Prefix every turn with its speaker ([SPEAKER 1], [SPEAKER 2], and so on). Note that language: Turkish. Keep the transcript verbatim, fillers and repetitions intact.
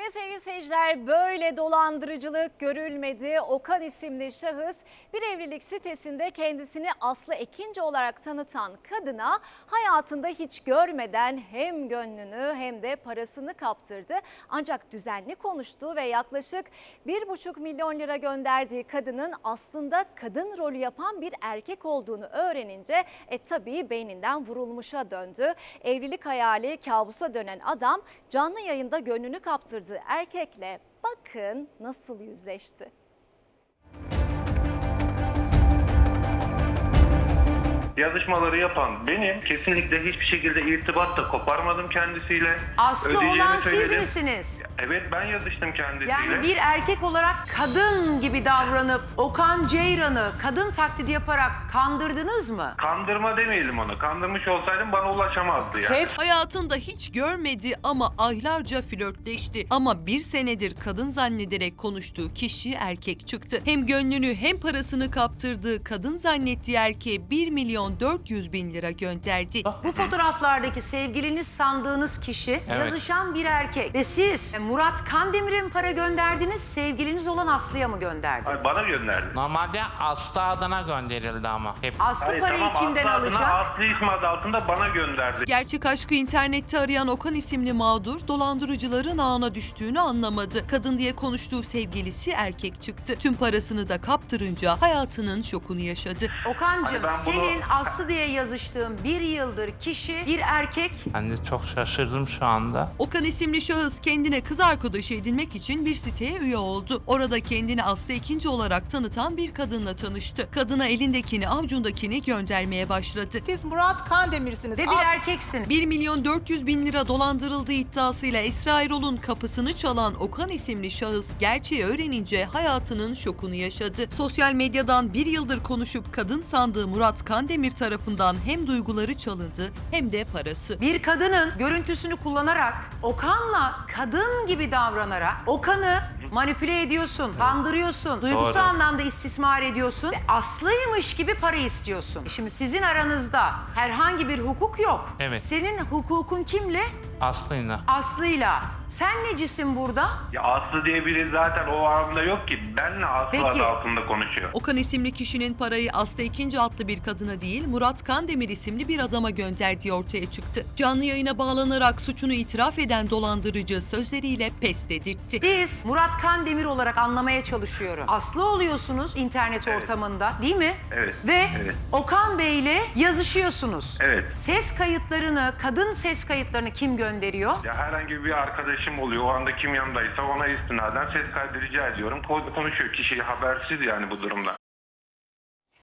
[SPEAKER 1] Ve sevgili seyirciler, böyle dolandırıcılık görülmedi. Okan isimli şahıs bir evlilik sitesinde kendisini Aslı Ekinci olarak tanıtan kadına hayatında hiç görmeden hem gönlünü hem de parasını kaptırdı. Ancak düzenli konuştuğu ve yaklaşık bir buçuk milyon lira gönderdiği kadının aslında kadın rolü yapan bir erkek olduğunu öğrenince e tabii beyninden vurulmuşa döndü. Evlilik hayali kabusa dönen adam canlı yayında gönlünü kaptırdığı erkekle bakın nasıl yüzleşti.
[SPEAKER 2] Yazışmaları yapan benim. Kesinlikle hiçbir şekilde irtibat da koparmadım kendisiyle.
[SPEAKER 3] Aslı
[SPEAKER 2] Ödeyeceğimi
[SPEAKER 3] olan siz
[SPEAKER 2] söyledim.
[SPEAKER 3] misiniz?
[SPEAKER 2] Evet, ben yazıştım kendisiyle.
[SPEAKER 3] Yani bir erkek olarak kadın gibi davranıp Okan Ceyran'ı kadın taklidi yaparak kandırdınız mı?
[SPEAKER 2] Kandırma demeyelim onu. Kandırmış olsaydım bana ulaşamazdı yani.
[SPEAKER 4] Hayatında hiç görmedi ama aylarca flörtleşti. Ama bir senedir kadın zannederek konuştuğu kişi erkek çıktı. Hem gönlünü hem parasını kaptırdığı kadın zannettiği erkeğe bir milyon dört yüz bin lira gönderdi.
[SPEAKER 3] Bu fotoğraflardaki sevgiliniz sandığınız kişi yazışan bir erkek. Ve siz Murat Kandemir'e mi para gönderdiniz, sevgiliniz olan Aslı'ya mı gönderdiniz?
[SPEAKER 2] Ay, bana gönderdi.
[SPEAKER 5] Normalde Aslı adına gönderildi ama. Hep
[SPEAKER 3] Aslı
[SPEAKER 2] Hayır,
[SPEAKER 3] parayı
[SPEAKER 2] tamam,
[SPEAKER 3] kimden
[SPEAKER 2] Aslı adına,
[SPEAKER 3] alacak?
[SPEAKER 2] Aslı ismi adı altında bana gönderdi.
[SPEAKER 4] Gerçek aşkı internette arayan Okan isimli mağdur dolandırıcıların ağına düştüğünü anlamadı. Kadın diye konuştuğu sevgilisi erkek çıktı. Tüm parasını da kaptırınca hayatının şokunu yaşadı.
[SPEAKER 3] Okan'cığım
[SPEAKER 2] Hani ben bunu-
[SPEAKER 3] senin Aslı diye yazıştığın bir yıldır kişi bir erkek.
[SPEAKER 5] ben de çok şaşırdım şu anda.
[SPEAKER 4] Okan isimli şahıs kendine kız arkadaşı edinmek için bir siteye üye oldu. Orada kendini Aslı Ekinci olarak tanıtan bir kadınla tanıştı. Kadına elindekini avucundakini göndermeye başladı.
[SPEAKER 6] Siz Murat Kandemir'siniz.
[SPEAKER 3] Ve bir
[SPEAKER 6] As-
[SPEAKER 3] erkeksin.
[SPEAKER 4] bir milyon dört yüz bin lira dolandırıldığı iddiasıyla Esra Erol'un kapısını çalan Okan isimli şahıs gerçeği öğrenince hayatının şokunu yaşadı. Sosyal medyadan bir yıldır konuşup kadın sandığı Murat Kandemir tarafından hem duyguları çalındı hem de parası.
[SPEAKER 3] Bir kadının görüntüsünü kullanarak, Okan'la kadın gibi davranarak Okan'ı manipüle ediyorsun, kandırıyorsun, duygusal
[SPEAKER 5] Doğru.
[SPEAKER 3] anlamda istismar ediyorsun ve Aslı'ymış gibi para istiyorsun. Şimdi sizin aranızda herhangi bir hukuk yok.
[SPEAKER 5] Evet.
[SPEAKER 3] Senin hukukun kimle?
[SPEAKER 5] Aslı'yla.
[SPEAKER 3] Aslı'yla. Sen necisin burada?
[SPEAKER 2] Ya Aslı diye biri zaten o aramda yok ki. Benle Aslı
[SPEAKER 3] Peki.
[SPEAKER 2] adı altında konuşuyor.
[SPEAKER 4] Okan isimli kişinin parayı Aslı Ekinci adlı bir kadına değil Murat Kandemir isimli bir adama gönderdiği ortaya çıktı. Canlı yayına bağlanarak suçunu itiraf eden dolandırıcı sözleriyle pes dedirtti.
[SPEAKER 3] Siz Murat Kandemir olarak anlamaya çalışıyorum. Aslı oluyorsunuz internet
[SPEAKER 2] Evet.
[SPEAKER 3] ortamında, değil mi?
[SPEAKER 2] Evet,
[SPEAKER 3] Ve
[SPEAKER 2] evet.
[SPEAKER 3] Okan Bey'le yazışıyorsunuz.
[SPEAKER 2] Evet.
[SPEAKER 3] Ses kayıtlarını, kadın ses kayıtlarını kim gönderiyor?
[SPEAKER 2] Ya herhangi bir arkadaşım oluyor. O anda kim yanındaysa ona istinaden ses kaydı rica ediyorum. Ko- Konuşuyor kişi habersiz yani bu durumda.